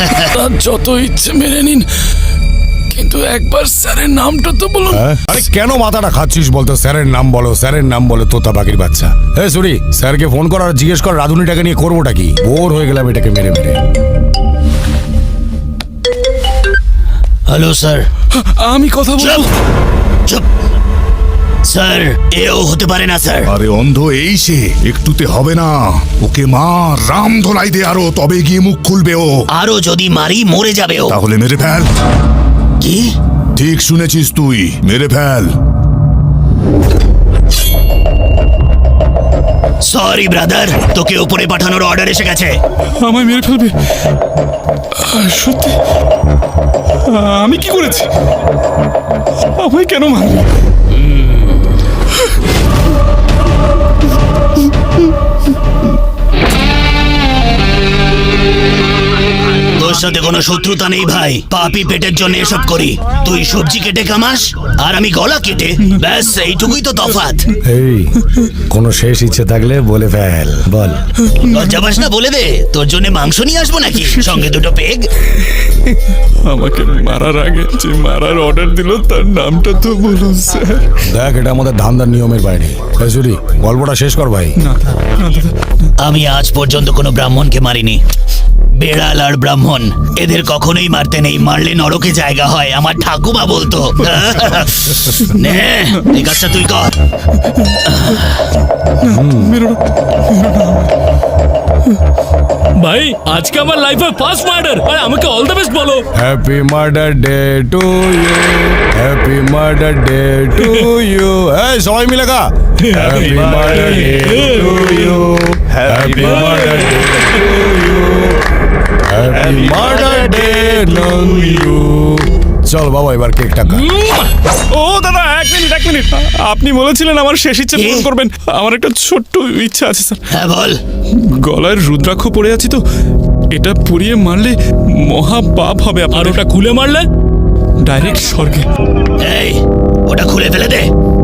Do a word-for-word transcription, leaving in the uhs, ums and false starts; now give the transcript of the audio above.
যত ইচ্ছে মেনে নিন, কিন্তু একবার স্যারের নামটা তো বলুন। আরে কেন মাথাটা খাচ্ছিস বলতো? স্যারের নাম বলো, স্যারের নাম বলো, তোতা পাখির বাচ্চা। এ সরি, স্যারকে ফোন কর আর জিজ্ঞেস কর রাধুনিটাকে নিয়ে করবোটা কি। বোর হয়ে গেলাম এটাকে মেরে মেরে। Hello sir. আমি কথা বলবো। চুপ স্যার, এও হতে পারে না স্যার। আরে অন্ধ এই সে, একটুতে হবে না। ওকে মা রাম ধোলাই দে আরো, তবে গিয়ে মুখ খুলবে ও। আরো যদি মারি মরে যাবে ও। তাহলে মেরে ফেল। কি? ঠিক শুনেছিস তুই, মেরে ফেল। সরি ব্রাদার, তোকে উপরে পাঠানোর অর্ডার এসে গেছে। আমায় মেরে ফেলবে? সত্যি? আমি কি করেছি? আমায় কেন মারবে? তোর সাথে কোনো শত্রুতা নেই ভাই, পাপি পেটের জন্য এসব করি। তুই সবজি কেটে কামাস আর আমি গলা কেটে, ব্যাস এইটুকুই তো তফাৎ। এই কোনো শেষ ইচ্ছে থাকলে বলে ফেল, বল। লজ্জা পাস না? বলে দে, তোর জন্য মাংস নিয়ে আসবো নাকি, সঙ্গে দুটো পেগ। আমাকে মারার আগে যে মারার অর্ডার দিল তার নামটা তো বলুন স্যার। দেখ, এটা আমাদের ধান্দার নিয়মের বাইরে। এই সরি, গল্পটা শেষ কর ভাই। আমি আজ পর্যন্ত কোনো ব্রাহ্মণকে মারিনি। বেড়াল আর ব্রাহ্মণ এদের কখনোই মারতে নেই, মারলে নরকে জায়গা হয়, আমার ঠাকুমা বলতো। নে এই কাজটা তুই কর। ভাই আজকে আমার লাইফে ফার্স্ট মার্ডার, আর আমাকে অল দ্য বেস্ট বলো। Happy murder day to you, happy murder day to you. এই সবাই মিলে গা। Happy murder day to you, happy murder day to you, happy murder day to you. চল বাবা, এবার কেকটা খা। ও দাদা, এক মিনিট এক মিনিট আপনি বলেছিলেন আমার শেষ ইচ্ছা পূরণ করবেন। আমার একটা ছোট্ট ইচ্ছা আছে স্যার। হ্যাঁ বল। গলায় রুদ্রাক্ষ পড়ে আছি তো, এটা পুড়িয়ে মারলে মহা পাপ হবে। আর ওটা খুলে মারলে ডাইরেক্ট স্বর্গে। এই ওটা খুলে ফেলে দে।